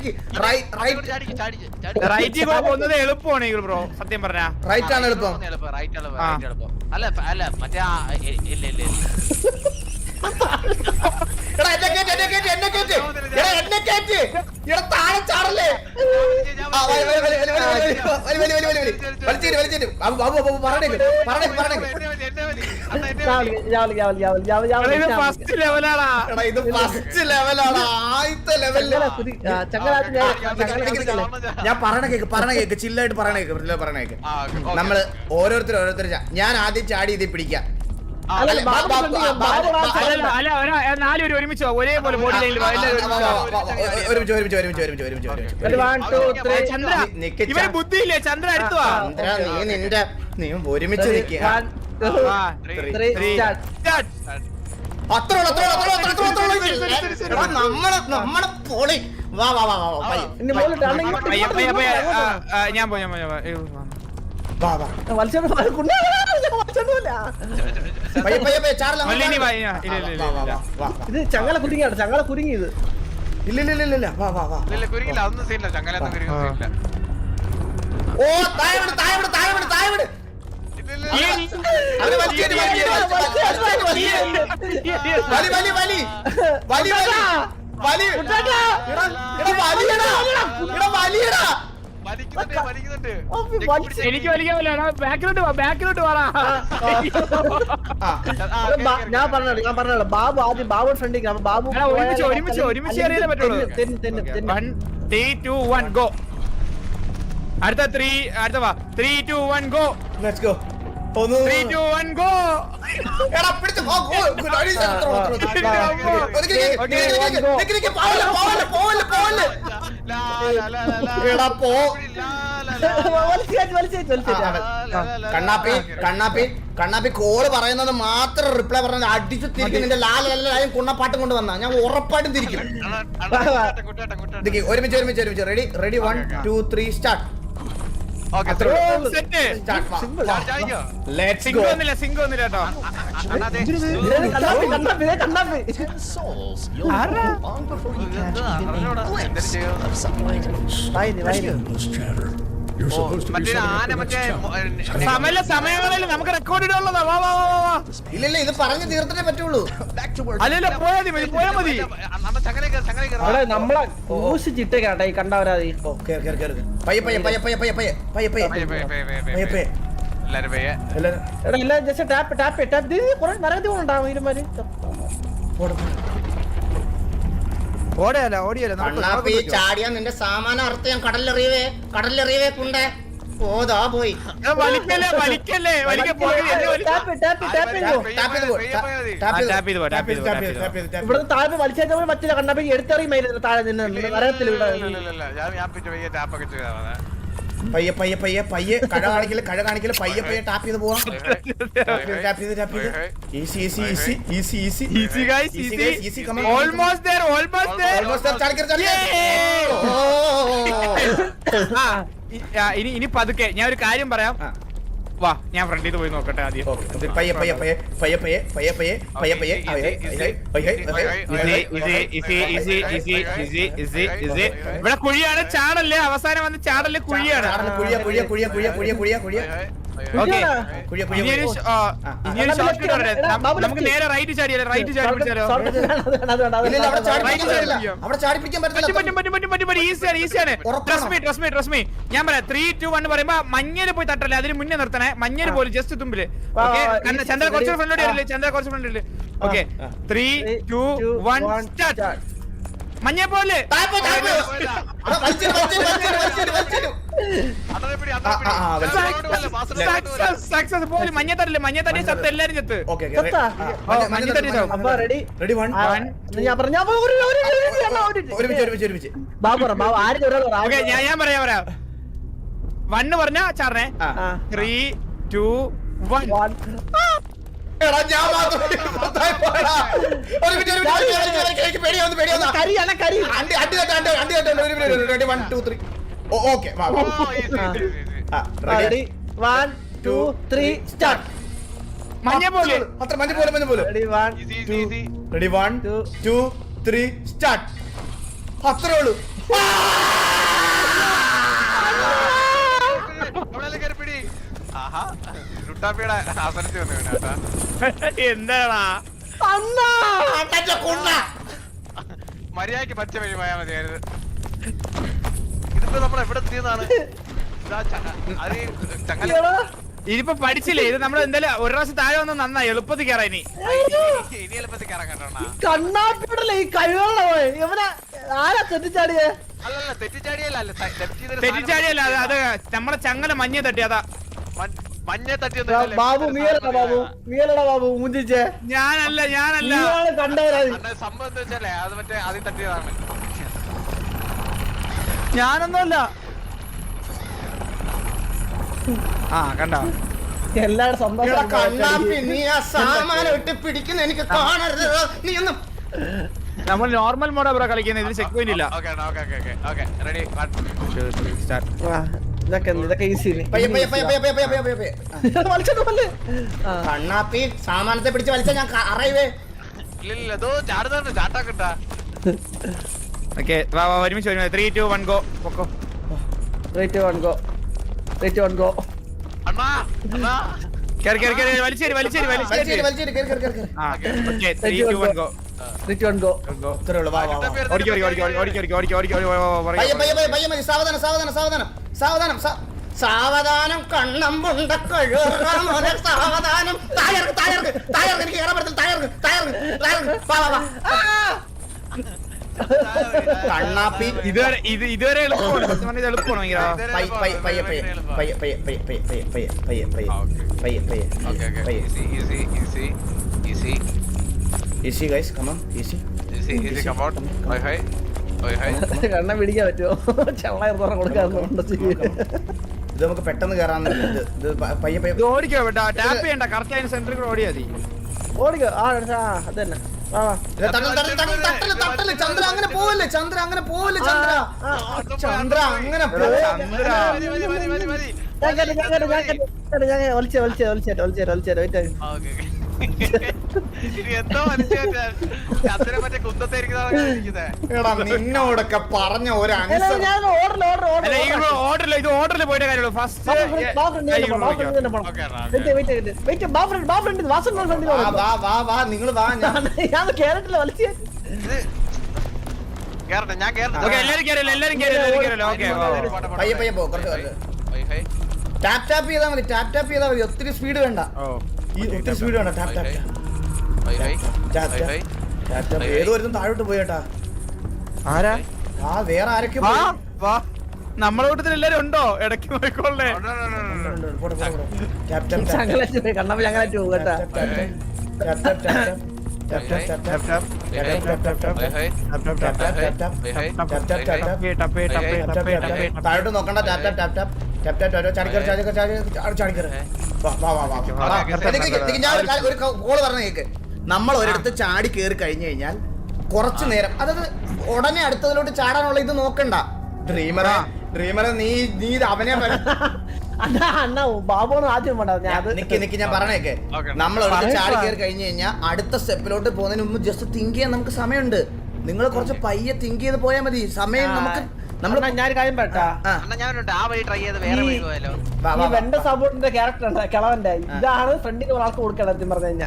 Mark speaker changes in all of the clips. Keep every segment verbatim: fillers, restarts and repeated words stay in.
Speaker 1: നിക്ക്
Speaker 2: റൈറ്റിൽ കൂടെ പോകുന്നത് എളുപ്പമാണ് ഈ ബ്രോ സത്യം പറഞ്ഞാ.
Speaker 1: റൈറ്റ് ആണ് എളുപ്പം.
Speaker 3: അല്ല അല്ല മറ്റേ ഇല്ല ഇല്ല
Speaker 1: എടാ എന്നെ കേറ്റ് എന്നെ കേറ്റ് എന്നെ കേറ്റ് എടാ എന്നെ കേറ്റ് എടാ താഴെ ചാടല്ലേ. ആ വലി വലി വലി വലി വലി വലി വലി വലി വലി വലിച്ചിട്ട് വലിച്ചിട്ട് ബാബു ബാബു ബാബു പറഞ്ഞേക്ക് പറഞ്ഞേക്ക് പറഞ്ഞേക്ക്.
Speaker 2: ഇത് ഫസ്റ്റ് ലെവലാടാ.
Speaker 1: എടാ ഇത് ഫസ്റ്റ് ലെവലാണ്, ആദ്യത്തെ ലെവലില്. ഞാൻ പറയണ കേക്ക് പറയണ കേക്ക് ചില്ലായിട്ട് പറയണ കേക്ക് പറയണ കേക്ക്. നമ്മള് ഓരോരുത്തർ ഓരോരുത്തർ ഞാൻ ആദ്യം ചാടി ഇതിൽ പിടിക്കാം.
Speaker 2: നാലുപേര് ഒരുമിച്ചോ ഒരേപോലെ ബോഡി ലൈനിൽ ഇവര് ബുദ്ധിയില്ലേ. ചന്ദ്ര അടുത്തുവാ.
Speaker 1: നീ നിന്റെ നീ ഒരുമിച്ച് നിൽക്കുക. നമ്മളെ നമ്മളെ പോളി വാ വാ വാ വാ
Speaker 2: ഞാൻ പോയി
Speaker 4: ഇത് ചങ്ങല കുരുങ്ങിയാണ് ചങ്ങല കുരുങ്ങിയത്.
Speaker 1: ഇല്ല ഇല്ല ഇല്ല ഇല്ല വാ വാ വാ
Speaker 3: കുരുങ്ങില്ല ഒന്നും സീനില്ല ചങ്ങല കുരുങ്ങില്ല.
Speaker 1: ഓ താഴെ വിട് താഴെ വിട് താഴെ വിട് താഴെ വിട്. വലി വലി വലി വലി വലി വലിയടാ.
Speaker 2: എനിക്ക് വലിക്കാൻ ബാക്കിലോട്ട് ബാക്കിലോട്ട് വാടാ.
Speaker 4: ഞാൻ പറഞ്ഞോ ഞാൻ പറഞ്ഞോ ബാബു ആദ്യം ബാബു ഫ്രണ്ടിൽ ബാബു
Speaker 2: ഒരുമിച്ച് ഒരുമിച്ച് ഒരുമിച്ച് അറിയാൻ പറ്റുള്ളൂ. One three two one go. അടുത്ത ത്രീ അടുത്ത വാ three two one go.
Speaker 1: Let's go.
Speaker 2: Three two one go.
Speaker 1: എടാ പിടിച്ച് പോ ഗോ. പോവല്ലേ പോവല്ലേ പോവല്ലേ. എടാ പോ. കണ്ണാപ്പി കണ്ണാപ്പി കണ്ണാപ്പി കോള് പറയുന്നത് മാത്രം റിപ്ലൈ പറഞ്ഞത് അടിച്ചു തിരിക്കും. നിന്റെ ലാലും കുണ്ണപ്പാട്ടും കൊണ്ട് വന്നാ ഞാൻ ഉറപ്പായിട്ടും തിരിക്കും. ഒരുമിച്ച് ഒരുമിച്ച് ഒരുമിച്ച് ready ready one two three start.
Speaker 2: സമയങ്ങളിൽ നമുക്ക് റെക്കോർഡ് ഇടാനുള്ളതാ. വാ വാ വാ വാ.
Speaker 1: ഇല്ലല്ല ഇത് പറഞ്ഞു തീർത്തിട്ടേ പറ്റുള്ളൂ.
Speaker 2: അല്ലല്ല പോയാ മതി പോയാ മതി.
Speaker 4: നമ്മളെ ഊശിച്ചിട്ടേക്കാട്ടെ ഈ കണ്ടവരാതി.
Speaker 1: പയ്യെ പയ്യെ പയ്യെ പയ്യെ പയ്യെ പയ്യെ പയ്യെ പയ്യെ പയ്യെ പയ്യെ
Speaker 3: എല്ലാരും പയ്യെ
Speaker 4: എടാ എല്ലാം ജസ്റ്റ് ടാപ്പ് ടാപ്പ് ടാപ്പ് കുറെ നരകത്തി കൊണ്ടുണ്ടാവും ഇരുമാര്.
Speaker 2: ഓടിയല്ല ഓടിയല്ല
Speaker 1: കണ്ണാപ്പി ചാടിയാ നിന്റെ സാമാനം അർത്ഥം ഞാൻ കടലിലെറിയവേ കടലിലെറിയവേ കൊണ്ടേ പോതാ പോയി.
Speaker 2: വലിക്കല്ലേ വലിക്കല്ലേ വലിക്കാൻ
Speaker 4: ഇവിടെ താഴെ വലിച്ചാൽ പറ്റില്ല. കണ്ണാപ്പി എടുത്തെറിയുമായിരുന്നു താഴെ നിന്ന് നരകത്തിൽ.
Speaker 1: പയ്യെ പയ്യെ പയ്യെ പയ്യെ കഴ കാണിക്കല് കഴ കാണിക്കല് പയ്യെ പയ്യെ ടാപ്പ് ചെയ്ത് പോവാം. ടാപ്പ് ചെയ്ത് ടാപ്പ് ചെയ്ത് easy easy easy easy easy
Speaker 2: easy guys easy
Speaker 1: easy come on.
Speaker 2: Almost there almost there
Speaker 1: almost there. ചാടിക്കർ ചാടിക്കർ.
Speaker 2: ഇനി ഇനി പതുക്കെ ഞാൻ ഒരു കാര്യം പറയാം. വാ ഞാൻ ഫ്രണ്ടിൽ നിന്ന് പോയി നോക്കട്ടെ ആദ്യം.
Speaker 1: പയ്യെ പയ്യെ പയ്യെ പയ്യെ പയ്യെ പയ്യെ പയ്യെ പയ്യെ പയ്യെ
Speaker 2: ഇവിടെ കുഴിയാണ്. ചാടല്ലേ അവസാനം വന്ന് ചാടല്ലേ കുഴിയാണ്.
Speaker 1: കുഴിയ കുഴിയ കുഴിയ കുഴിയ കുഴിയ കുഴിയ കുഴിയ
Speaker 2: നമുക്ക് നേരെ റൈറ്റ് ചാടിയല്ലേ റൈറ്റ് ചാടി പിടിച്ചാലോ. ഈസിയാണ് ഈസിയാണ്. ഞാൻ പറയാം ത്രീ ടു വൺ പറയുമ്പോ മഞ്ഞര് പോയി തട്ടല്ലേ അതിന് മുന്നേ നിർത്തണേ. മഞ്ഞര് പോലും ജസ്റ്റ് തുമ്പില്. ചന്ദ്ര കുറച്ച് ഫ്രണ്ട് വരില്ലേ ചന്ദ്ര കുറച്ച് ഫ്രണ്ട് വരില്ലേ. Okay three two one start. മഞ്ഞ പോലെ സക്സസ് പോലെ മഞ്ഞ തട്ടില്ലേ. മഞ്ഞ തട്ടിയ ചത്ത് എല്ലാരും ചത്ത്. മഞ്ഞ തട്ടിയ ഞാൻ ഞാൻ പറയാ പറയാ വണ്ണ് പറഞ്ഞ ചാടണേ. Three two one. മഞ്ഞ പോലെ
Speaker 1: അത്ര മഞ്ഞ പോലെ മഞ്ഞ പോലെ. Ready one two three start. അത്രേ ഉള്ളൂ.
Speaker 2: എന്താടാ
Speaker 3: മര്യാദക്ക് പച്ച വഴി പോയാൽ മതിയായിരുന്നു. ഇതിപ്പോ നമ്മൾ എവിടെ എത്തിയതാണ്?
Speaker 2: ഇതിപ്പോ പഠിച്ചില്ലേ? ഇത് നമ്മൾ എന്തായാലും ഒരു പ്രാവശ്യം താഴെ വന്ന് നന്നായി എളുപ്പത്തിൽ കയറാ. ഇനി
Speaker 3: ഇനി എളുപ്പത്തിൽ കയറാൻ കേട്ടോ.
Speaker 4: കണ്ണാപ്പിടല്ലേ ഈ കഴിവുള്ള ഇവനെ ആരാ തെറ്റിച്ചാടിയേ?
Speaker 3: അല്ലല്ല തെറ്റിച്ചാടിയല്ല,
Speaker 2: തെറ്റിച്ചാടിയല്ല, അത് നമ്മളെ ചങ്ങല മഞ്ഞ തട്ടി. അതാ
Speaker 3: മഞ്ഞ തട്ടി.
Speaker 4: ബാബു നീയലടാ ബാബു, നീയലടാ ബാബു മുഞ്ചിച്ചേ.
Speaker 2: ഞാനല്ല ഞാനല്ല
Speaker 4: കണ്ടവരാ.
Speaker 3: സംഭവം എന്താ വെച്ചാലേ അത് മറ്റേ ആദ്യം തട്ടിയതാണ്.
Speaker 2: ഞാനൊന്നുമല്ല. ആ കണ്ടോ
Speaker 4: എല്ലാവരും സന്തോഷം.
Speaker 1: കണ്ണാപ്പി നീ ആ സാമാനം ഇട്ട് പിടിക്കുന്ന എനിക്ക് കാണരുത്. നീ ഒന്നും
Speaker 2: നമ്മൾ നോർമൽ മോഡാ ബ്രോ കളിക്കുന്നത്. ഇതിൽ ചെക്ക് പോയിന്റ് ഇല്ല.
Speaker 4: ഇതൊക്കെ ഇതൊക്കെ ഈസി.
Speaker 1: പയ്യെ പയ്യെ പയ്യെ പയ്യെ പയ്യെ പയ്യെ പയ്യെ പയ്യെ. കണ്ണാപ്പി സാമാനത്തെ പിടിച്ച് വലിച്ച ഞാൻ അറിയവേ.
Speaker 2: ഓക്കെ ഒരുമിച്ച് ഒരുമിച്ച് ത്രീ ടു വൺ ഗോ. പൊക്കോ.
Speaker 4: Three two one go. Three two one go.
Speaker 2: കേറി കേറി കേറി വലിച്ചേരി വലിച്ചേരി വലിച്ചേരി
Speaker 1: വലിച്ചേരി കേറി കേറി കേറി.
Speaker 2: ആ okay three two one go.
Speaker 4: Three two one go.
Speaker 1: ഇത്രേ ഉള്ളൂ. വാ വാ വാ.
Speaker 2: ഓടിക്കോ ഓടിക്കോ ഓടിക്കോ ഓടിക്കോ ഓടിക്കോ ഓടിക്കോ ഓടിക്കോ
Speaker 1: പയ്യെ പയ്യെ പയ്യെ പയ്യെ മതി. സാവധാനം സാവധാനം സാവധാനം സാവധാനം സാവധാനം കണ്ണമ്പുണ്ട കഴിവറ സാവധാനം. താഴർക്ക് താഴർക്ക് താഴർക്ക് എനിക്ക് കയറാൻ പറ്റില്ല. താഴർക്ക് താഴർക്ക് താഴർക്ക്. വാ വാ വാ. കണ്ണാപ്പി
Speaker 2: ഇതുവരെ ഇത് ഇതുവരെ എളുപ്പമാണ്. സത്യം പറഞ്ഞാൽ ഇത് എളുപ്പമാണ് ഭയങ്കര.
Speaker 1: പയ്യെ പയ്യെ പയ്യെ പയ്യെ പയ്യെ പയ്യെ പയ്യെ പയ്യെ പയ്യെ പയ്യെ പയ്യെ പയ്യെ പയ്യെ പയ്യെ. Easy guys come on easy.
Speaker 4: കണ്ണ പിടിക്കാൻ പറ്റുമോ? ചള്ളയർ കൊടുക്കാറുണ്ട്.
Speaker 1: ഇത് നമുക്ക് പെട്ടെന്ന് കയറാൻ. ഇത് പയ്യെ പയ്യെ
Speaker 2: ഇത് ഓടിക്കോ കേട്ടോ. ടാപ്പ് ചെയ്യണ്ട. കറക്റ്റ് അതിന് സെന്ററിൽ കൂടെ ഓടിയാ മതി.
Speaker 4: ഓടിക്കോ. ആ അത് തന്നെ.
Speaker 1: ചന്ദ്ര അങ്ങനെ പോവല്ലേ? ചന്ദ്ര അങ്ങനെ പോവല്ലേ? ചന്ദ്ര ചന്ദ്ര അങ്ങനെ
Speaker 4: ഒളിച്ചേ ഒളിച്ചേ ഒളിച്ചേട്ടോ ഒളിച്ചേട്ടോ ഒളിച്ചേട്ടോ വെയിറ്റ്.
Speaker 1: നിന്നോടൊക്കെ പറഞ്ഞ ഒരു
Speaker 2: ഓർഡറിൽ ഇത് ഓർഡറിൽ പോയിട്ട് കാര്യമുള്ളൂ. ഫസ്റ്റ്
Speaker 1: നിങ്ങൾ വാ.
Speaker 4: ഞാൻ കേരളത്തില് വലിച്ചേ.
Speaker 2: എല്ലാരും കേറില്ല എല്ലാരും കേറില്ല എല്ലാരും കേറില്ല. ഓക്കെ
Speaker 1: പയ്യെ പയ്യെ പോ. കുറച്ച് ടാപ്പ് ടാപ്പ് ചെയ്താൽ മതി. ടാപ്പ് ടാപ്പ് ചെയ്താൽ മതി. ഒത്തിരി സ്പീഡ് വേണ്ട. ഈ ഒത്തിരി സ്പീഡ് വേണ്ട. Tap tap tap tap. ഏതോ ഒരു താഴോട്ട് പോയേട്ടാ.
Speaker 2: ആരാ?
Speaker 1: ആ വേറെ ആരൊക്കെ
Speaker 2: നമ്മളെ കൂട്ടത്തിൽ എല്ലാരും ഉണ്ടോ? ഇടയ്ക്ക് പോയിക്കോളേ.
Speaker 4: കണ്ണപ്പ ഞങ്ങളായിട്ട് പോകും കേട്ടാ.
Speaker 1: താഴോട്ട് നോക്കണ്ട. Tap tap tap tap tap tap ചാടിക്കറി ചാടിക്കറി ചാടി ചാടിക്കറി. ഞാൻ ഒരു കോള് പറഞ്ഞ കേക്ക്. നമ്മൾ ഒരിടത്ത് ചാടി കയറി കഴിഞ്ഞു കഴിഞ്ഞാൽ കുറച്ചു നേരം, അതായത് ഉടനെ അടുത്തതിലോട്ട് ചാടാനുള്ള ഇത് നോക്കണ്ട. ഡ്രീമറെ ഡ്രീമറെ നീ നീ അവനെ
Speaker 4: ബാബുണ് ആദ്യം
Speaker 1: നിക്ക് നിക്ക് ഞാൻ പറഞ്ഞേക്കെ. നമ്മൾ ഒരു ചാടി കയറി കഴിഞ്ഞു കഴിഞ്ഞാൽ അടുത്ത സ്റ്റെപ്പിലോട്ട് പോകുന്നതിന് മുമ്പ് ജസ്റ്റ് തിങ്ക് ചെയ്യാൻ നമുക്ക് സമയമുണ്ട്. നിങ്ങൾ കുറച്ച് പയ്യെ തിങ്ക് ചെയ്ത് പോയാൽ മതി. സമയം നമുക്ക് നമ്മൾ ഞാൻ കാര്യം പെട്ടാ
Speaker 4: വെണ്ട സപ്പോർട്ടിന്റെ ക്യാരക്ടർ ഉണ്ട് കിളവന്റെ. ഇതാണ് ഫ്രണ്ടിന് ഒരാൾക്ക് കൊടുക്കണം പറഞ്ഞു കഴിഞ്ഞാൽ.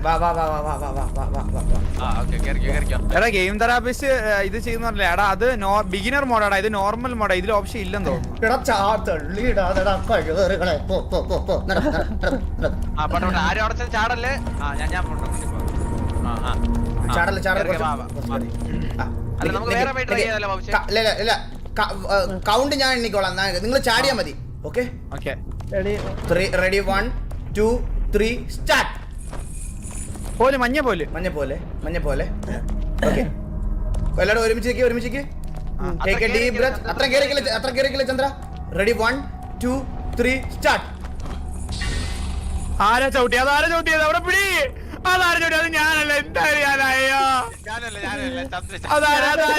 Speaker 2: എടാ ഗെയിം തെറാപ്പിസ്റ്റ് ഇത് ചെയ്യുന്നില്ല. എടാ അത് ബിഗിനർ മോഡാടാ. ഇത് നോർമൽ മോഡാ. ഇതിൽ ഓപ്ഷൻ ഇല്ലെന്ന് തോന്നുന്നു.
Speaker 1: ചാടല്ലേ ചാടല്ലേ. കൗണ്ട് ഞാൻ എണ്ണിക്കോളാം. നിങ്ങൾ ചാടിയാ മതി. Okay ready. One two three start.
Speaker 2: പോലെ മഞ്ഞ പോലെ
Speaker 1: മഞ്ഞ പോലെ മഞ്ഞ പോലെ. ഓക്കെ എല്ലാവരും ഒരുമിച്ച് ഒരുമിച്ച് അത്ര കേറിക്കില്ല അത്ര കേറിക്കില്ല Chandra. Ready one two three start.
Speaker 2: ആരാ ചവിട്ടി? അതാരാ ചവിട്ടിയത്? അവിടെ പിടി. അതാരും ചവിട്ടി. അത് ഞാനല്ല. എന്തായാലും ഞാനായോ?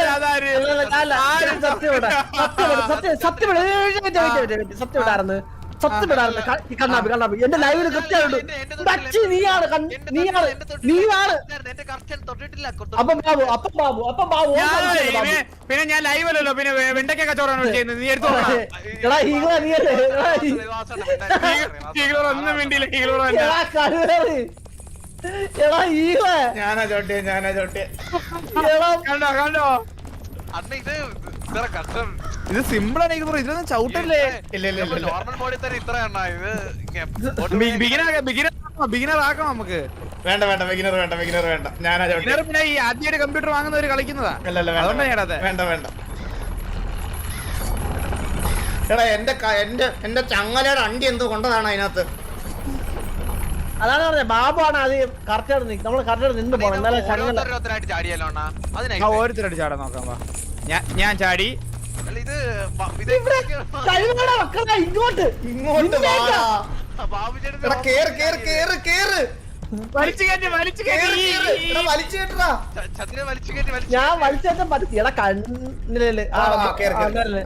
Speaker 4: സത്യം സത്യം സത്യം സത്യം വിടാറുണ്ട് കണ്ണാപ്പി കണ്ണാപ്പി എന്റെ ലൈവില് കൃത്യമായിട്ട് ബച്ചി നീയാണ് കണ്ണ്- നീയാണ് നീയാണ് അപ്പം ബാബു അപ്പം ബാബു അപ്പം ബാബു ഓൻ
Speaker 2: ഞാൻ-
Speaker 4: കളിച്ചല്ലേ ബാബു?
Speaker 2: പിന്നെ- പിന്നെ ഞാൻ ലൈവ് അല്ലല്ലോ പിന്നെ വെ- വെണ്ടയ്ക്ക കച്ചവടമാണ് ചെയ്യുന്നത് നീ എടുത്തു
Speaker 4: എടാ ഈകള നീയല്ലേ എടാ ഈ-
Speaker 2: ഒന്നും വേണ്ടിയില്ല ഹീറോ
Speaker 4: എടാ കരുവേറി എടാ ഈകള
Speaker 1: ഞാനാ ചോട്ടിയെ ഞാനാ ചോട്ടിയെ
Speaker 4: എടാ
Speaker 2: കണ്ടോ കണ്ടോ
Speaker 3: അണ്ണ ഇത് ഇത്ര കഷ്ടം
Speaker 2: ഇത് സിമ്പിൾ ആണ് ഹീറോ ഇതൊന്നും ചവിട്ടല്ലേ
Speaker 1: ഇല്ല ഇല്ല ഇല്ല, ഇല്ല
Speaker 3: നോർമൽ മോഡിൽ തന്നെ ഇത്ര എണ്ണ ഇത് ഇങ്ങനെ
Speaker 2: ബിഗിനർ ബിഗിനർ ബിഗിനർ ആക്കണം നമുക്ക്
Speaker 1: വേണ്ട വേണ്ട ബിഗിനർ വേണ്ട ബിഗിനർ വേണ്ട ഞാനാ ചോട്ടിയെ
Speaker 2: ബിഗിനർ പിന്നെ ഈ ആദ്യമായിട്ട് കമ്പ്യൂട്ടർ വാങ്ങുന്നവര് കളിക്കുന്നതാ
Speaker 1: അല്ല അല്ല
Speaker 2: അതുകൊണ്ടാ
Speaker 1: വേണ്ട
Speaker 2: ഞാനത്
Speaker 1: വേണ്ട വേണ്ട എടാ എന്റെ ക- എന്റെ എന്റെ ചങ്ങലയുടെ അണ്ടി എന്തോ കൊണ്ടതാണ് അതിനകത്ത്
Speaker 4: അതാണ് പറഞ്ഞത് ബാബു ആണ് അത് കറക്റ്റ് നമ്മൾ കറക്റ്റ് നിന്ന് പോകണം എന്നാലും ചങ്ങല
Speaker 3: ഓരോരുത്തരായിട്ട് ചാടിയല്ലോ അണ്ണാ അതിനെ
Speaker 2: ആ ഓരോരുത്തരായിട്ട് ചാടാൻ നോക്കാം വാ ഞാൻ ഞാൻ ചാടി
Speaker 3: അല്ല ഇത് ബ- ഇത്
Speaker 4: കഴിവുകളെ മക്കളെ ഇങ്ങോട്ട്
Speaker 1: ഇങ്ങോട്ട് വാടാ.
Speaker 3: ബാബു
Speaker 1: എടാ കേറ് കേറ് കേറ് കേറ്
Speaker 2: വലിച്ചു കയറ്റി വലിച്ചു
Speaker 1: കേറ്
Speaker 2: കയറ്റി
Speaker 1: കേറ്. എടാ വലിച്ചു കേട്ടടാ.
Speaker 3: ചന്ദ്രനെ വലിച്ചു കയറ്റി വലിച്ചു
Speaker 4: ഞാൻ വലിച്ചേറ്റം പറ്റി എടാ കണ്ണിലല്ലേ
Speaker 1: ആ, ആ, കേറ്, കേറ്.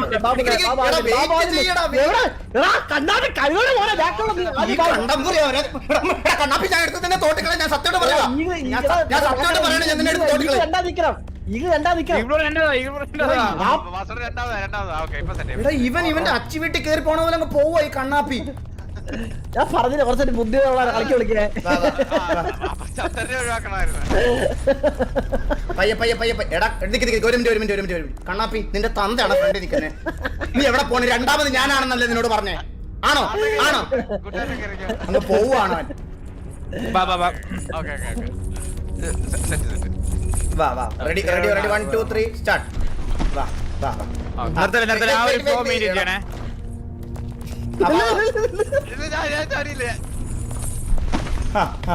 Speaker 4: കണ്ണാടി കഴിവുകളെ പോലെ
Speaker 1: ഈ കണ്ടംപുരി അവരെ- എടാ, എടാ, കണ്ണാപ്പി ഞാൻ എടുത്ത് തന്നെ തോട്ടിക്കളെ ഞാൻ സത്യമായിട്ട് പറയാ ഞാൻ സ- ഞാൻ സത്യമായിട്ട് പറയണേ ഞാൻ നിന്നെ എടുത്ത് തോട്ടിക്കളെ
Speaker 4: രണ്ടാ നിക്കണം ഇത് രണ്ടാ നിക്കണം
Speaker 2: ഇവിടെ രണ്ടതാ ഇവിടെ രണ്ടതാ
Speaker 3: വാസന രണ്ടാമതാ രണ്ടാമതാ ഓക്കെ ഇപ്പൊ സെറ്റ്
Speaker 1: എടാ ഇവൻ ഇവന്റെ അച്ചി വീട്ടിൽ കയറി പോണ പോലെ അങ്ങ് പോവാ ഈ കണ്ണാപ്പി
Speaker 4: ഞാൻ പറഞ്ഞില്ല കുറച്ചൊരു ബുദ്ധിമുട്ടുള്ള കളിക്ക് വിളിക്കേ
Speaker 1: വാ, വാ.
Speaker 3: ചന്ദ്രനെ ഒഴിവാക്കണമായിരുന്നു
Speaker 1: പയ്യെ പയ്യെ പയ്യെ പയ്യെ. എടാ നിക്ക് നിക്ക് ഒരു മിനിറ്റ് ഒരു മിനിറ്റ് ഒരു മിനിറ്റ് ഒരു മിനിറ്റ് കണ്ണാപ്പി നിന്റെ തന്തയാണ് ഫ്രണ്ട് നിൽക്കുന്നേ നീ എവിടെ പോണേ രണ്ടാമത് ഞാനാണെന്നല്ലേ നിന്നോട് പറഞ്ഞേ ആണോ ആണോ
Speaker 3: കൂട്ടുകാരനെ കയറിക്കോ
Speaker 1: അങ്ങ് പോവാണോ അവൻ
Speaker 2: വാ വാ വാ
Speaker 3: okay okay okay set set
Speaker 1: വാ വാ ready ready ready one two three start വാ വാ വാ
Speaker 2: നിർത്തല നിർത്തല ആ ഒരു ഫ്ലോ മെയിൻറ്റെയിൻ ചെയ്യണേ
Speaker 1: അപ്പൊ-
Speaker 3: ഇത് ഞാൻ ഞാൻ ചാടിയില്ലേ
Speaker 1: ആ, ആ.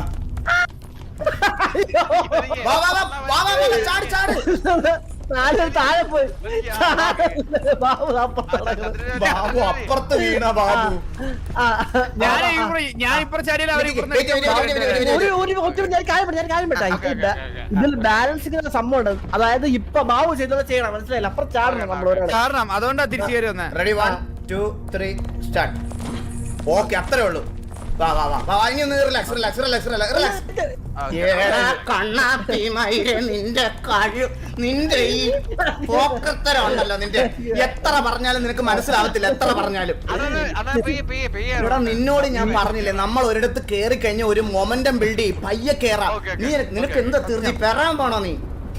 Speaker 1: വാ വാ വാ വാ വാ വാ ചാടി ചാടി
Speaker 4: നാല് താഴെ പോയി ബാബു അപ്പുറത്ത് നടക്കുന്നു.
Speaker 1: ബാബു അപ്പുറത്ത് വീണ ബാബു
Speaker 4: ആ,
Speaker 2: ഞാൻ
Speaker 4: ആ,
Speaker 2: ഇപ്പുറ ഞാൻ ഇപ്പുറ ചാടിയില്ല അവർ
Speaker 1: Wait, wait, wait, wait, wait, wait, wait.
Speaker 4: ഒരു ഒരു ഒറ്റ ഞാൻ കാര്യം പറയാം, ഞാൻ കാര്യം
Speaker 3: Okay,
Speaker 4: പറ്റാ
Speaker 3: okay, okay.
Speaker 4: ഇതിൽ ബാലൻസിംഗ് സംഭവം ഉണ്ട്. അതായത് ഇപ്പൊ ബാബു ചെയ്തത് ചെയ്യണം മനസ്സിലായില്ല അപ്പുറം ചാടണം നമ്മൾ ഒരാളെ
Speaker 2: കാരണം അതുകൊണ്ടാ തിരിച്ചു കയറി വന്നേ
Speaker 1: ready one two three start okay അത്രേ ഉള്ളൂ വാ വാ വാ വാ ഇനി ഒന്ന് റിലാക്സ് റിലാക്സ് റിലാക്സ് റിലാക്സ് കണ്ണാപ്പി മയിലെ നിന്റെ കഴിവ് നിന്റെ ഈ പോക്കത്തരം ഉണ്ടല്ലോ നിന്റെ എത്ര പറഞ്ഞാലും നിനക്ക് മനസ്സിലാവത്തില്ല എത്ര പറഞ്ഞാലും
Speaker 3: അതാണ് അതാണ് പെയ്യ പെയ്യ പെയ്യ
Speaker 1: ഇവിടെ നിന്നോട് ഞാൻ പറഞ്ഞില്ലേ നമ്മൾ ഒരിടത്ത് കേറി കഴിഞ്ഞ ഒരു മൊമെന്റം ബിൽഡ് ചെയ്യും പയ്യെ കേറാം
Speaker 3: Okay, okay,
Speaker 1: നീ നിനക്ക്
Speaker 3: okay.
Speaker 1: എന്താ തീർച്ചി പെറാൻ പോണോ നീ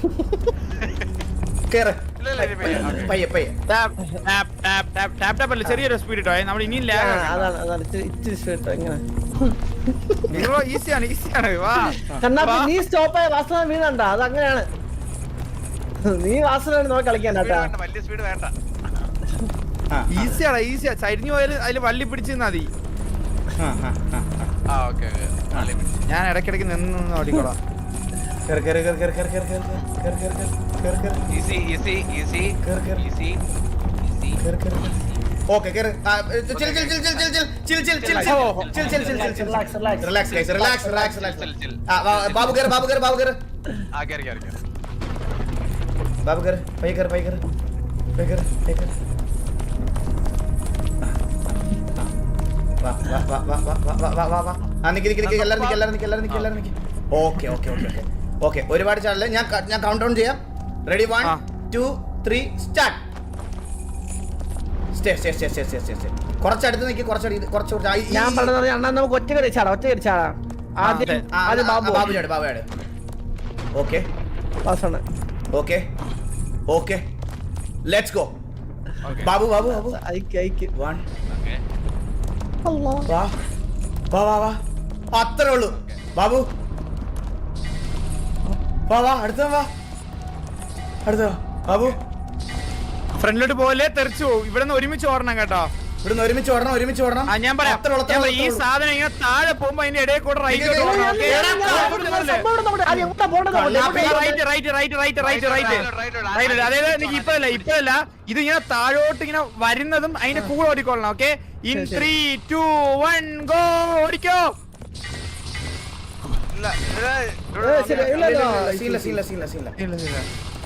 Speaker 1: കേറ്
Speaker 3: ഇല്ല ഇല്ല ഇല്ല, പെയ്യ ഓക്കെ
Speaker 1: പയ്യെ പയ്യെ
Speaker 2: tap tap tap tap tap tap അല്ല ചെറിയൊരു സ്പീഡ് ഇട്ടോ നമ്മൾ ഇനിയും
Speaker 4: ആ,
Speaker 2: ലാഗ്
Speaker 4: അതാണ് അതാണ് ഇച്ചിരി ഇച്ചിരി സ്പീഡ് ഇങ്ങനെ
Speaker 2: ഈസിയാണ് ഈസിയാണ് വാ
Speaker 4: കണ്ണാപ്പി
Speaker 2: വാ.
Speaker 4: നീ സ്റ്റോപ്പ് ആയ വാസന വീണണ്ട അത് അങ്ങനെയാണ് നീ വാസന നോക്കി കളിക്കാൻ
Speaker 3: സ്പീഡ്
Speaker 4: കേട്ടാ
Speaker 3: വേണ്ട വലിയ സ്പീഡ് വേണ്ട
Speaker 1: ആ,
Speaker 2: ഈസിയാടാ ഈസിയാ ചരിഞ്ഞു പോയാലും അതിൽ വള്ളി പിടിച്ച് നിന്നാ മതി
Speaker 1: ആ, ആ, ആ, ആ.
Speaker 3: ആ ഓക്കെ ഓക്കെ
Speaker 2: ഞാൻ ഇടയ്ക്കിടയ്ക്ക് നിന്ന് നിന്ന് ഓടിക്കോളാം
Speaker 1: കേറ് കേറ് കേറ് കേറ് കേറ് കേറ് കേറ് കേറ് കേറ് കേറ് കേറ്
Speaker 3: ഈസി ഈസി ഈസി
Speaker 1: കേറ് കേറ്
Speaker 3: ഈസി ഈസി
Speaker 1: കേറ് കേറ് കേറ് ഓക്കെ കേറ് ആ, chill chill chill chill chill chill chill chill chill chill
Speaker 4: ഓ,
Speaker 1: chill chill chill chill chill
Speaker 4: Relax, relax.
Speaker 1: Relax guys relax relax relax
Speaker 3: chill chill
Speaker 1: ആ വാ, ബാബു കേറ് ബാബു കേറ് ബാബു കേറ്
Speaker 3: ആ കേറി കേറി കേറി
Speaker 1: ബാബു കേറ് പയ്യെ കേറ് പയ്യെ കേറ് പയ്യെ കേറ് പയ്യെ കേറ് വാ വാ വാ വാ വാ വാ വാ വാ വാ വാ ആ നിക്ക് നിക്ക് നിക്ക് എല്ലാരും നിക്ക് എല്ലാരും നിക്ക് എല്ലാരും നിക്ക് എല്ലാരും നിക്ക് okay okay okay okay okay ഒരുപാട് ചാനൽ ഞാൻ ക- ഞാൻ കൗണ്ട് ഡൗൺ ചെയ്യാം റെഡി വൺ
Speaker 2: ആ.
Speaker 1: Two three start stay stay stay stay stay stay stay കുറച്ചടുത്ത് നിൽക്കി കുറച്ചടുത്ത് കുറച്ച് കുറച്ച് ആ, ഈ-
Speaker 4: ഞാൻ പറഞ്ഞത് അണ്ണാ നമുക്ക് ഒറ്റ കടി ചാടാം ഒറ്റ കടി ചാടാം ആദ്യം
Speaker 2: അതെ.
Speaker 1: ആ,
Speaker 4: ആദ്യം
Speaker 1: ആ,
Speaker 4: ബാബു
Speaker 1: ബാബു ചാട് ബാബു ചാട് ഓക്കെ
Speaker 4: വാസന
Speaker 1: okay okay let's go
Speaker 3: okay
Speaker 1: Babu Babu Babu
Speaker 4: അയക്ക് അയക്ക്
Speaker 1: വൺ
Speaker 3: ഓക്കെ
Speaker 1: വാ വാ വാ വാ അത്രേ ഉള്ളൂ ബാബു വാ വാ അടുത്ത വാ അടുത്ത വാ ബാബു
Speaker 2: ഫ്രണ്ടിലോട്ട് പോലെ തെറിച്ചു പോകും ഇവിടെ നിന്ന് ഒരുമിച്ച് ഓടണം കേട്ടോ
Speaker 1: ഇവിടുന്ന് ഒരുമിച്ച് ഓടണം ഒരുമിച്ച് ഓടണം
Speaker 2: ആ ഞാൻ പറയാം
Speaker 1: അത്രേ ഉള്ളൂ, അത്രേ
Speaker 2: ഞാൻ
Speaker 1: ഉള്ളൂ,
Speaker 2: പറയാം, ഈ
Speaker 1: അത്രേ ഉള്ളൂ.
Speaker 2: സാധനം ഇങ്ങനെ താഴെ പോകുമ്പോ അതിന്റെ ഇടയിൽ കൂടെ റൈറ്റ്
Speaker 1: ഇത്
Speaker 2: ഓടണം
Speaker 1: ഇത്
Speaker 2: ഓക്കേ?
Speaker 1: എടാ,
Speaker 4: സംഭവം ഉണ്ട് നമ്മുടെ. ആദ്യം എങ്ങോട്ടാ പോണ്ടത് അങ്ങോട്ട്?
Speaker 1: കണ്ണാപ്പി.
Speaker 4: എങ്ങോട്ടാ?
Speaker 2: Right right right right right right
Speaker 3: Right, right, right.
Speaker 2: Right അതായത് എനിക്ക് ഇപ്പഴല്ല ഇപ്പഴല്ല ഇത് ഇങ്ങനെ താഴോട്ട് ഇങ്ങനെ വരുന്നതും അതിന്റെ കൂടെ ഓടിക്കൊള്ളണം ഓക്കെ ഇൻ
Speaker 4: ശരി, ശരി.
Speaker 2: ത്രീ ടു വൺ ഗോ ഓടിക്കോ
Speaker 3: ഇല്ല ഇത്
Speaker 4: ഏ, ശരി, ഇല്ല, ഇല്ല.
Speaker 1: സീല സീല സീല സീല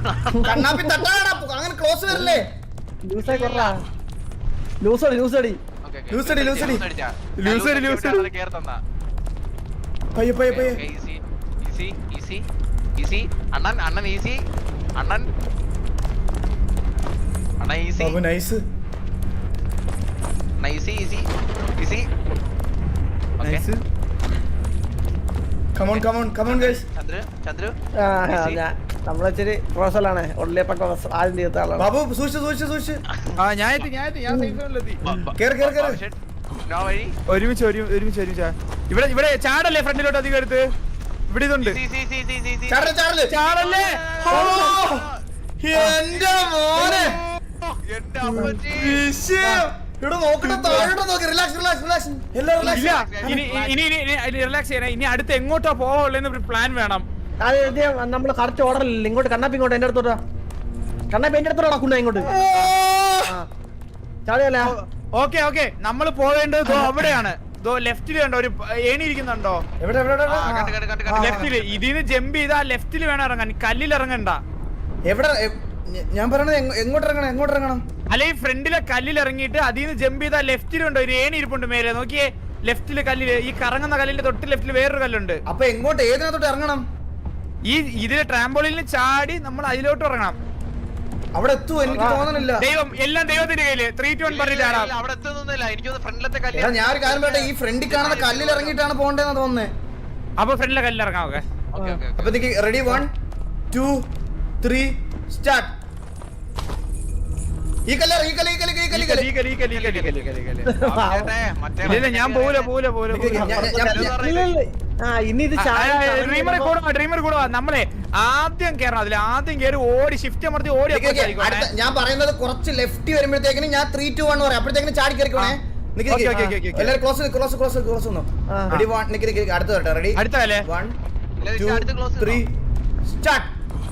Speaker 1: കണ്ണാപ്പി തട്ടാടാ അങ്ങനെ ക്ലോസ് വരില്ലേ
Speaker 4: ലൂസായി കൊറ ലൂസടി ലൂസടി
Speaker 1: ലൂസടി ലൂസടി
Speaker 2: ലൂസടി ലൂസടി
Speaker 3: കേറി തന്നാ
Speaker 1: പയ്യെ പയ്യെ പയ്യെ
Speaker 3: ഈസി ഈസി ഈസി ഈസി അണ്ണൻ അണ്ണൻ ഈസി അണ്ണൻ അണ്ണ ഈസി
Speaker 1: ബാബു നൈസ്
Speaker 3: അണ്ണ easy easy easy okay
Speaker 2: nice
Speaker 1: come on come on come on guys
Speaker 3: Chandru Chandru
Speaker 4: ആ ഞാൻ നമ്മളിച്ചിരി പ്രൊഫസറാണ് ഉള്ളിയപ്പൊക്കെ ആദ്യം തീർത്ത ആളാണ്
Speaker 1: ബാബു സൂക്ഷിച്ച് സൂക്ഷിച്ച് സൂക്ഷിച്ച്
Speaker 2: ആ ഞാൻ എത്തി ഞാൻ എത്തി ഞാൻ സേഫ് സോണിലെത്തി
Speaker 1: കേറ് കേറ് കേറ്
Speaker 3: നോ വഴി
Speaker 2: ഒരുമിച്ച് ഒരു ഒരുമിച്ച് ഒരുമിച്ച് ഇവിടെ ഇവിടെ ചാടല്ലേ ഫ്രണ്ടിലോട്ട് അധികം എടുത്ത് ഇവിടെ ഇതുണ്ട്
Speaker 3: ഈസി ഈസി ഈസി ഈസി
Speaker 1: ചാടല് ചാടല്
Speaker 2: ചാടല്ലേ
Speaker 1: ഓ, എന്റെ മോനെ
Speaker 3: എന്റെ അമ്മച്ചി
Speaker 1: വിഷയം. ഇവിടെ നോക്കട്ടെ താഴോട്ട് നോക്ക് റിലാക്സ് റിലാക്സ് റിലാക്സ് എല്ലാം
Speaker 2: ഇല്ല
Speaker 1: റിലാക്സ്
Speaker 2: ഇനി ഇനി ഇനി റിലാക്സ് ചെയ്യണേ ഇനി അടുത്ത് എങ്ങോട്ടാ പോവുള്ളെന്ന് പ്ലാൻ വേണം
Speaker 4: അത് നമ്മള് കറക്റ്റ് ഓർഡർ ഇല്ല ഇങ്ങോട്ട് കണ്ണാപ്പി ഇങ്ങോട്ട് എന്റെ അടുത്തോട്ടാ കണ്ണാപ്പി എന്റെ അടുത്തോട്ടാ കുണ്ണ ഇങ്ങോട്ട് ചാടിയല്ല
Speaker 2: ഓക്കെ ഓക്കെ നമ്മൾ പോവേണ്ടത് ദോ അവിടെയാണ് ദോ ലെഫ്റ്റില് കണ്ടോ ഒരു ഏണി ഇരിക്കുന്നുണ്ടോ
Speaker 1: എവിടെ എവിടെ എവിടെ,
Speaker 3: ആ, കണ്ട്,
Speaker 1: എവിടെ
Speaker 3: കണ്ട്, കണ്ട്, കണ്ട്.
Speaker 2: ലെഫ്റ്റില് ഇതിന് ജമ്പ് ചെയ്താ ലെഫ്റ്റില് വേണം ഇറങ്ങാൻ കല്ലിൽ ഇറങ്ങണ്ട
Speaker 1: എവിടെ എ- ഞ- ഞാൻ പറയണത് എങ്ങ- എങ്ങോട്ട് ഇറങ്ങണം എങ്ങോട്ട് ഇറങ്ങണം
Speaker 2: അല്ലെങ്കിൽ ഫ്രണ്ടിലെ കല്ലിൽ ഇറങ്ങിയിട്ട് അതിന് ജമ്പ് ചെയ്താൽ ലെഫ്റ്റിലുണ്ടോ ഒരു ഏണി ഇരിപ്പുണ്ട് മേലെ നോക്കിയേ ലെഫ്റ്റില് കല്ലില് ഈ കറങ്ങുന്ന കല്ലിന്റെ തൊട്ട് ലെഫ്റ്റില് വേറൊരു കല്ലുണ്ട്
Speaker 1: അപ്പൊ എങ്ങോട്ട് ഏതിനകത്തോട്ട് ഇറങ്ങണം
Speaker 2: ഈ ഇതിലെ ട്രാമ്പോളിന് ചാടി നമ്മൾ അതിലോട്ട് ഇറങ്ങണം
Speaker 1: അവിടെ എത്തുമോ എനിക്ക് തോന്നണില്ല
Speaker 2: ദൈവം എല്ലാം ദൈവത്തിന്റെ കയ്യില് ത്രീ ടു വൺ പറഞ്ഞ് ചാടാം
Speaker 3: ഇല്ല, അവിടെ എത്തുന്നൊന്നുമില്ല എനിക്ക് ഫ്രണ്ടിലത്തെ
Speaker 1: എടാ
Speaker 3: കല്യാണം
Speaker 1: ഞാൻ ഒരു കാര്യം പറയട്ടെ ഈ ഫ്രണ്ടിൽ കാണുന്ന കല്ലിൽ ഇറങ്ങിയിട്ടാണ് പോകേണ്ടതെന്ന് തോന്നുന്നേ
Speaker 2: അപ്പൊ ഫ്രണ്ടിലെ കല്ലിൽ ഇറങ്ങാം ഓക്കെ
Speaker 3: ഓക്കെ ഓക്കെ
Speaker 1: അപ്പൊ ready one two three start ഈ കല്ല് ഈ കല്ല് ഈ കല്ല് ഈ കല്ല് ഈ കല്ല്
Speaker 2: ഈ കല്ല്, ഈ കല്ല്, ഈ കല്ല്, ഈ കല്ല്, ഈ കല്ല്, ഈ കല്ല്.
Speaker 3: മറ്റേ
Speaker 2: ഇല്ല, ഇല്ല, ഞാൻ പോവില്ല പോവില്ല പോവില്ല
Speaker 1: നിക്ക്
Speaker 2: പോവില്ല.
Speaker 1: ഞാൻ- ഞാൻ- ഞാൻ-
Speaker 4: ഇല്ല, ഇല്ല. ആ ഇനി ഇത്
Speaker 2: ഡ്രീമർ കൂടുവാ ഡ്രീമർ കൂടുവാ നമ്മളെ ആദ്യം കേറണം അതിൽ ആദ്യം കേറി ഓടി ഷിഫ്റ്റ് അമർത്തി ഓടി
Speaker 1: നിക്ക് നിക്ക്
Speaker 2: അപ്പുറത്തേക്ക്
Speaker 1: അടുത്ത ഞാൻ പറയുന്നത് കുറച്ച് ലെഫ്റ്റ് വരുമ്പോഴത്തേക്കിന് ഞാൻ ത്രീ ടു വൺ പറയാം അപ്പോഴത്തേക്കിന് ചാടി കയറിക്കോണേ നിക്ക്
Speaker 2: ഓക്കേ, ഓക്കേ,
Speaker 1: നിക്ക്
Speaker 2: ഓക്കേ, ഓക്കേ.
Speaker 1: എല്ലാവരും ക്ലോസ് ക്ലോസ് ക്ലോസ് ക്ലോസ് ഒന്നോ
Speaker 4: ആ.
Speaker 1: റെഡി വൺ നിക്ക് നിക്ക് നിക്ക്. അടുത്ത വരട്ടെ റെഡി
Speaker 2: അടുത്ത കല്ലേ
Speaker 1: വൺ
Speaker 3: ഇല്ല,
Speaker 1: ടു
Speaker 3: അടുത്ത close
Speaker 1: ത്രീ സ്റ്റാർട്ട്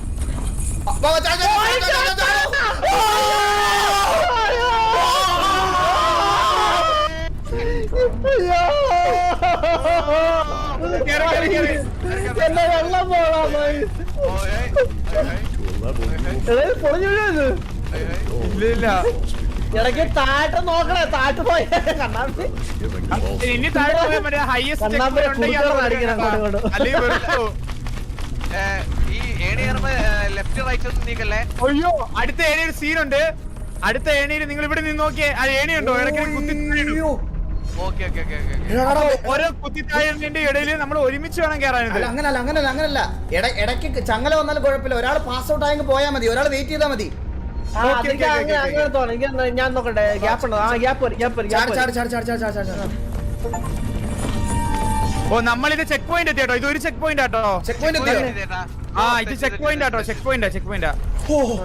Speaker 2: കേറ്, കേറ്, കേറ്.
Speaker 4: എന്നെ വെള്ളം പോടാ
Speaker 3: ഓ, ഏയ്, ഏയ്, ഏയ്,
Speaker 4: പൊളിഞ്ഞു വീഴുന്നത്
Speaker 3: ഏയ്, ഏയ്.
Speaker 2: ഇല്ല ഇല്ല
Speaker 4: ഇടയ്ക്ക് താഴെ നോക്കണേ താഴെ പോയ കണ്ണാപ്പി
Speaker 2: ഇനി താഴെ പോയാൽ മറ്റേ ഹയസ്റ്റ്
Speaker 4: കണ്ണാമ്പി കുറുക്കനെ അടിക്കണം അങ്ങോട്ടും ഇങ്ങോട്ടും.
Speaker 2: അല്ലെങ്കിൽ വെറുതെ പോവും.
Speaker 3: ഏ, ഈ ഏണി കയറുമ്പോ ലെഫ്റ്റ് റൈറ്റ് ഒന്നും നീക്കല്ലേ
Speaker 2: അയ്യോ അടുത്ത ഏണിയിൽ ഒരു സീനുണ്ട് അടുത്ത ഏണിയിൽ നിങ്ങൾ ഇവിടെ നിന്ന് നോക്കിയേ ആ ഏണി ഉണ്ടോ ഇടയ്ക്ക് കുത്തി
Speaker 3: ഓക്കെ ഓക്കെ ഓക്കെ ഓക്കെ
Speaker 2: ഓരോ കുത്തിത്താഴിന്റെ ഇടയിൽ നമ്മൾ ഒരുമിച്ച് വേണം കയറാനിത്
Speaker 1: അല്ല അങ്ങനല്ല അങ്ങനല്ല അങ്ങനല്ല ഇട- ഇടയ്ക്ക് ചങ്ങല വന്നാലും കുഴപ്പമില്ല ഒരാൾ പാസ് ഔട്ട് ആയെങ്കിൽ പോയാൽ മതി ഒരാൾ വെയിറ്റ് ചെയ്താൽ മതി
Speaker 4: ആ,
Speaker 2: ഓക്കേ,
Speaker 4: അതെനിക്ക്
Speaker 2: ഓക്കേ,
Speaker 4: അങ്ങനെ
Speaker 2: ഓക്കേ,
Speaker 4: അങ്ങനെ തോന്നുന്നു എനിക്ക് എന്നാ ഞാൻ നോക്കട്ടെ ഗ്യാപ്പ് ഉണ്ടോ ആ ഗ്യാപ്പ് വരും ഗ്യാപ്പ് വരും
Speaker 1: ചാടി
Speaker 4: ഗ്യാപ്പ്
Speaker 1: ചാടി ചാടി ചാടി ചാടി ചാടി ചാടി
Speaker 2: ഓ നമ്മളിത് ചെക്ക് പോയിന്റ് എത്തിയാട്ടോ ഇത് ഒരു ചെക്ക് പോയിന്റ് ആട്ടോ
Speaker 1: ചെക്ക് പോയിന്റ് എത്തിയോ
Speaker 3: ചേട്ടാ
Speaker 2: ആ ഇത് ചെക്ക് പോയിന്റ് ആട്ടോ ചെക്ക് പോയിന്റാ ചെക്ക് പോയിന്റാ
Speaker 1: ഓ